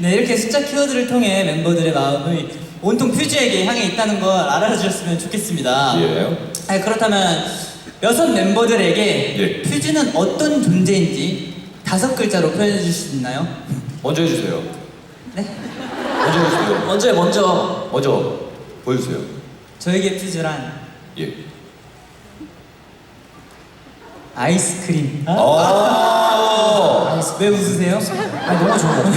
네, 이렇게 숫자 키워드를 통해 멤버들의 마음이 온통 퓨즈에게 향해 있다는 걸 알아주셨으면 좋겠습니다. 예. 그렇다면 6 멤버들에게 예. 퓨즈는 어떤 존재인지 5글자로 표현해 주실 수 있나요? 먼저 해주세요. 네? 먼저 해주세요. 먼저 보여주세요. 저에게 퓨즈란 예. 아이스크림. 아. 왜 웃으세요? 아니 너무 좋은 거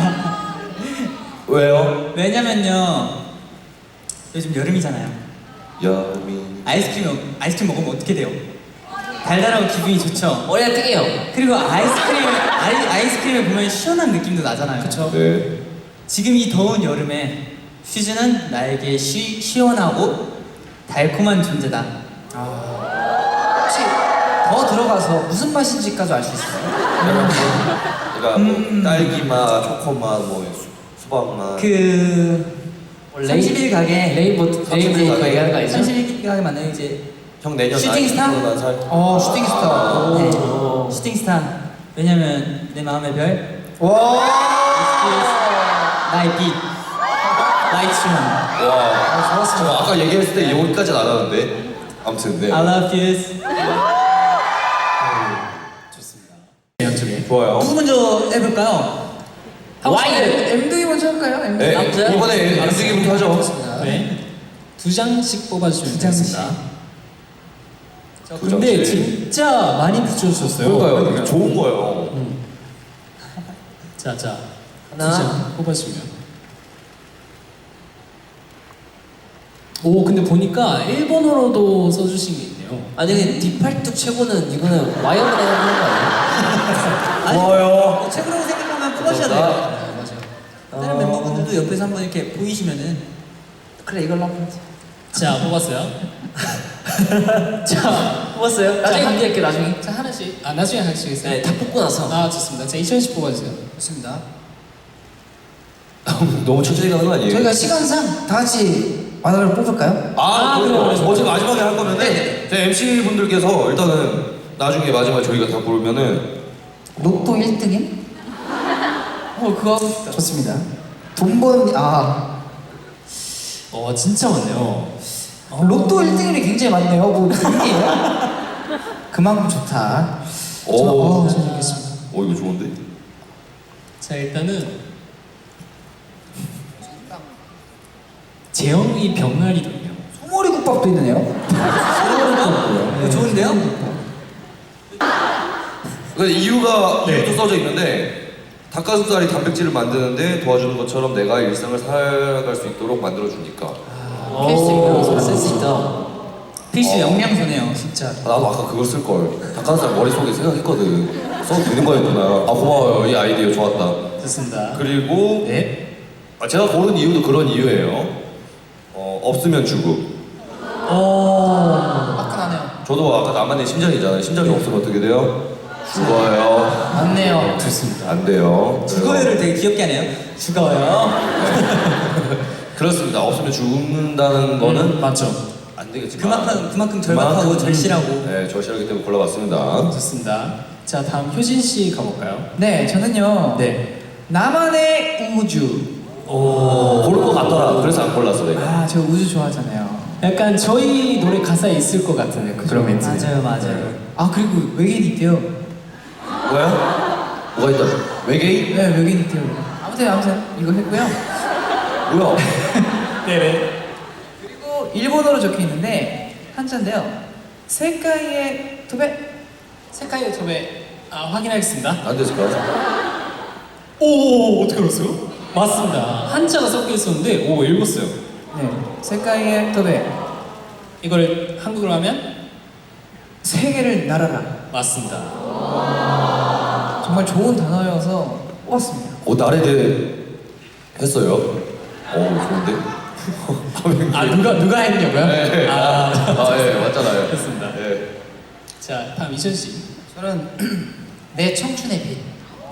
왜요? 왜냐면요, 요즘 여름이잖아요. 여미. 아이스크림 먹으면 어떻게 돼요? 달달하고 기분이 좋죠. 머리가 뜨게요. 그리고 아이스크림을 보면 시원한 느낌도 나잖아요. 그쵸? 네. 지금 이 더운 여름에 퓨즈는 나에게 시원하고 달콤한 존재다. 혹시 더 들어가서 무슨 맛인지까지 알 수 있어요? 그러니까 뭐 딸기맛, 초코맛, 뭐 수박맛. 그 31 가게 레인보우 가게. 얘기하는 거 아니죠? 31 가게 맞나요? 이제 형 내년 슈팅스타? 난 살. 슈팅스타. 네, 오. 슈팅스타. 왜냐면 내 마음의 별, 와. 나의 빛, 나의 춤. 와. 좋았습니다. 아까 얘기했을 때 여기까지 나가는데. 아무튼 네. I love you. 이쪽에. 좋아요. 누구 먼저 해볼까요? 와이드. MD 먼저 할까요? MD. 네. 남자? 이번에 MC기부터 하죠. 네. 2장씩 뽑아주시면 두 장씩. 되겠습니다. 두 근데 장씩. 진짜 많이 붙여주셨어요. 그러니까요. 이게 좋은 거예요. 자, 하나. 2장 뽑아주시면. 오, 근데 보니까 일본어로도 써주신 게 있네요. 아니 근데 디팔뚝 최고는 이거는 와이어만 하는 거 아니에요? 고마워요. 책으로 생각하면 뽑으셔야 돼요. 네, 맞아요. 다른 멤버분들도 옆에서 한번 이렇게 보이시면은 그래 이걸로 한번. 자, 뽑았어요. 자, 뽑았어요? 나중에 공개할게 나중에. 자, 하나씩. 아, 나중에 하시겠어요? 네, 다 뽑고 나서. 아, 좋습니다. 자, 2000씩 뽑아주세요. 좋습니다. 너무 천천히 가는 거 아니에요? 저희가 시간상 다 같이 만화를 뽑을까요? 그래요. 어차피 마지막에 할 거면은 네. MC 분들께서 일단은 나중에 마지막에 저희가 다 고르면은 로또 1등인? 그거 하고 싶다. 좋습니다. 돈 버는 진짜 많네요. 로또 1등률이 굉장히 많네요. 뭐 등이에요? 그만큼 좋다. 오. 잘 알겠습니다. 이거 좋은데? 자, 일단은 재영이 병아리도 있네요. 소머리 국밥도 있네요. 이거 좋은데요? 그 이유가 이유도 써져 있는데 닭가슴살이 단백질을 만드는데 도와주는 것처럼 내가 일상을 살아갈 수 있도록 만들어주니까. 필수 있다. 센스 있다. 필수 영양소네요, 진짜. 나도 아까 그걸 쓸 걸. 닭가슴살 머릿속에 생각했거든. 써도 되는 거였구나. 고마워요. 이 아이디어 좋았다. 좋습니다. 그리고 네. 제가 고른 이유도 그런 이유예요. 없으면 죽음. 화끈하네요. 저도 아까 나만의 심장이잖아요. 심장이 없으면 어떻게 돼요? 죽어요. 맞네요. 좋습니다. 안 돼요. 죽어요를 되게 귀엽게 하네요. 죽어요. 그렇습니다. 없으면 죽는다는 거는 맞죠. 안 되겠지만 그만큼 절박하고 절실하고. 네, 절실하기 때문에 골라봤습니다. 좋습니다. 자, 다음 효진 씨 가볼까요? 네, 저는요. 네. 나만의 우주. 고를 것 같더라. 그래서 안 골랐어 내가. 저 우주 좋아하잖아요. 약간 저희 노래 가사에 있을 것 같은 그런 멘트. 맞아요. 그리고 외계인 있대요. 뭐야? 뭐가 있다? 외계인? 네, 외계인 있대요. 아무튼 이거 했고요. 뭐야? 네네. 그리고 일본어로 적혀 있는데 한자인데요. 세카이의 도배. 색깔 유튜브에 확인하겠습니다. 안 됐을까? 오, 어떻게 알았어요? 맞습니다. 한자가 섞여 있었는데 읽었어요. 네, 세카이의 도배. 이걸 한국어로 하면 세계를 날아라. 맞습니다. 정말 좋은 단어여서 뽑았습니다. 나래대 했어요. 좋은데? 누가 했냐고요? 네. 예, 맞잖아요. 됐습니다. 예. 자, 다음 이천 씨. 저는 내 청춘의 빛.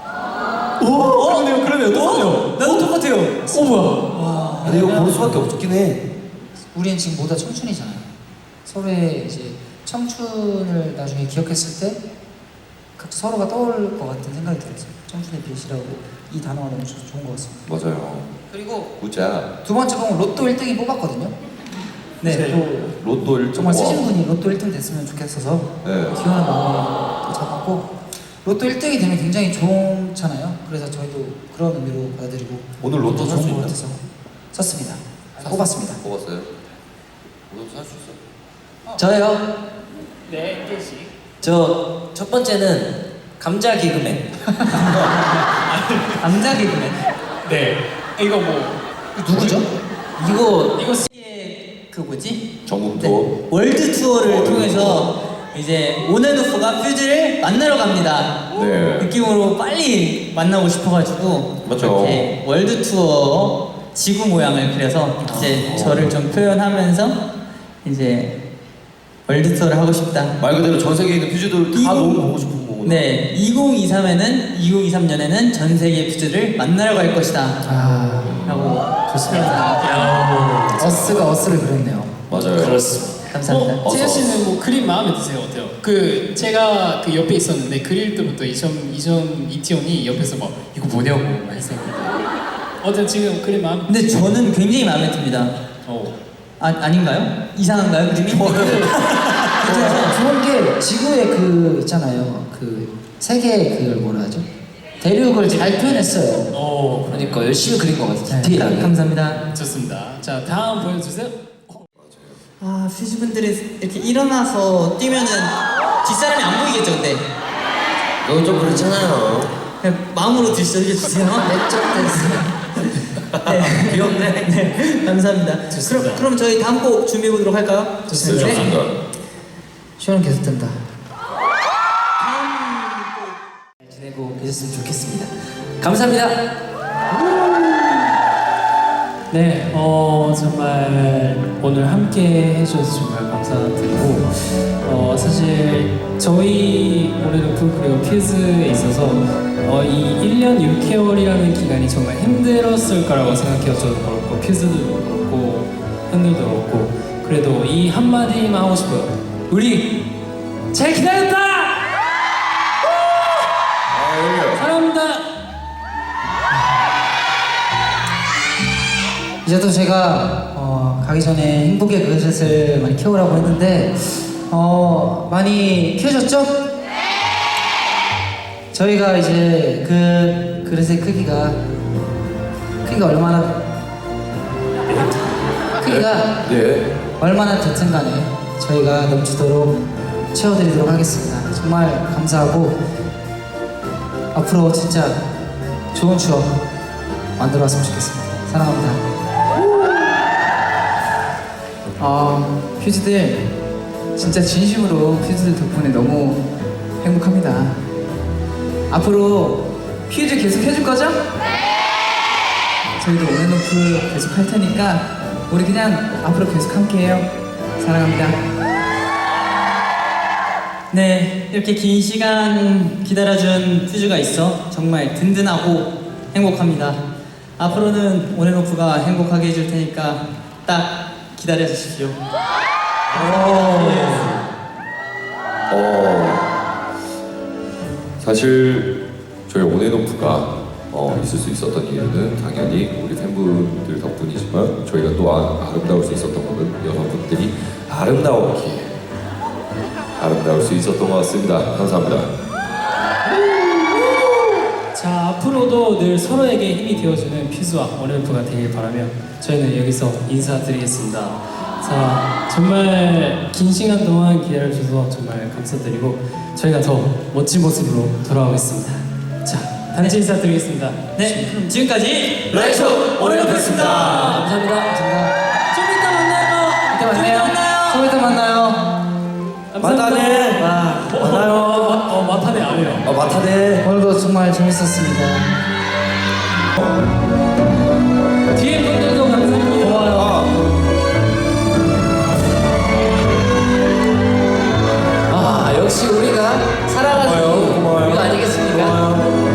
그러네요. 똑같네요. 나도 똑같아요. 뭐야? 근데 이거 고를 수밖에 없긴 해. 우리는 지금 모두 청춘이잖아요. 서로의 이제 청춘을 나중에 기억했을 때 각자 서로가 떠오를 것 같은 생각이 들었어요. 청춘의 빛이라고 이 단어가 너무 좋은 것 같습니다. 맞아요. 그리고 굿잡. 두 번째 곡은 로또 1등이 뽑았거든요. 네, 또 로또 1등. 정말 쓰신 분이 로또 1등 됐으면 좋겠어서 네. 기원한 마음으로 잡았고 로또 1등이 되면 굉장히 좋잖아요. 그래서 저희도 그런 의미로 받아들이고 오늘 로또 살수 좋은 것 있나? 같아서 썼습니다. 뽑았습니다. 뽑았어요? 오늘 살수 있어요? 저요. 네, 개씩. 저 첫 번째는 감자 개그맨. 감자 개그맨. 네. 이거 뭐 누구죠? 이거 씨의 그 뭐지? 전국 네, 투어. 월드 투어를 통해서 이제 온앤오프가 퓨즈를 만나러 갑니다. 네. 느낌으로 빨리 만나고 싶어가지고 맞죠. 이렇게 월드 투어 지구 모양을 그려서 이제 저를 좀 표현하면서 이제 월드 투어를 하고 싶다. 말 그대로 전 세계에 있는 퓨즈들을 다 너무 보고 싶은 거구나. 네, 2023년에는 전 세계 퓨즈를 만나러 갈 것이다. 아, 라고 좋습니다. 어스가 어스를 그렸네요. 맞아요. 그렇습니다. 감사합니다. 재현 씨는 뭐 그림 마음에 드세요? 어때요? 그 제가 그 옆에 있었는데 그릴 때부터 이전 이티온이 옆에서 막 이거 뭐냐고 막 했었는데 어때 지금 그림 마음? 근데 저는 굉장히 마음에 듭니다. 아닌가요? 이상한가요, 그림이? 그래서 좋은 게 지구의 그 있잖아요. 그 세계 그걸 뭐라 하죠? 대륙을 잘 표현했어요. 그러니까 열심히 그린 것 같아요. 네, 디테일하게. 감사합니다. 좋습니다. 자 다음 보여주세요. 아, 퓨즈분들이 이렇게 일어나서 뛰면은 뒷사람이 안 보이겠죠, 근데? 너무 좀 그렇잖아요. 그냥 마음으로 드셔주세요. 내적 댄스. 네. 귀엽네. 네, 감사합니다. 좋습니다. 그럼 저희 다음 곡 준비해보도록 할까요? 네, 좋습니다. 시원은 계속 된다. 잘 지내고 계셨으면 좋겠습니다. 감사합니다. 네, 정말 오늘 함께 해주셔서 정말 감사드리고 사실 저희 올해노프 그리고 퓨즈에 있어서 이 1년 6개월이라는 기간이 정말 힘들었을 거라고 생각해요. 저도 그렇고 퓨즈도 그렇고 팬들도 그렇고 그래도 이 한마디만 하고 싶어요. 우리 잘 기다렸다! 사랑합니다! 이제 또 제가 가기 전에 행복의 그릇을 많이 키우라고 했는데 많이 키워졌죠? 저희가 이제 그 그릇의 크기가 네. 얼마나 됐든 간에 저희가 넘치도록 채워드리도록 하겠습니다. 정말 감사하고 앞으로 진짜 좋은 추억 만들어 왔으면 좋겠습니다. 사랑합니다. 퓨즈들 진짜 진심으로 퓨즈들 덕분에 너무 행복합니다. 앞으로 퓨즈 계속 해줄 거죠? 저희도 온앤오프 계속 할 테니까 우리 그냥 앞으로 계속 함께해요. 사랑합니다. 네, 이렇게 긴 시간 기다려준 퓨즈가 있어 정말 든든하고 행복합니다. 앞으로는 온앤오프가 행복하게 해줄 테니까 딱 기다려주십시오. 사실 저희 온앤오프가 있을 수 있었던 이유는 당연히 우리 팬분들 덕분이지만 저희가 또한 아름다울 수 있었던 것은 여러분들이 아름다울 수 있었던 것 같습니다. 감사합니다. 자 앞으로도 늘 서로에게 힘이 되어주는 퓨즈와 온앤오프가 되길 바라며 저희는 여기서 인사드리겠습니다. 자 정말 긴 시간 동안 기다려주셔서 정말 감사드리고 저희가 더 멋진 모습으로 돌아오겠습니다. 자 단체 인사드리겠습니다. 네, 그럼 지금까지 라이쇼 온앤오프였습니다. 감사합니다. 좀 이따 만나요. 이따 만나요. 좀 이따 만나요. 마타네. 만나요. 마타네 아니에요. 마타네. 오늘도 정말 재밌었습니다. 뒤에 분들도 감사합니다. 역시 우리가 살아가지고 우리가 아니겠습니까?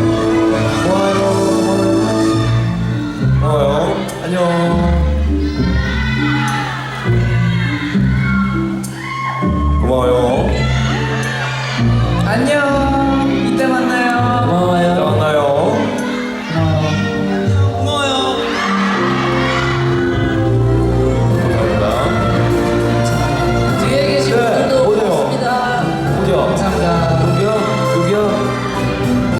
고마워요. 안녕. 고마워요. 안녕. 이따 만나요. 고마워요. 또 만나요. 고마워요. 감사합니다.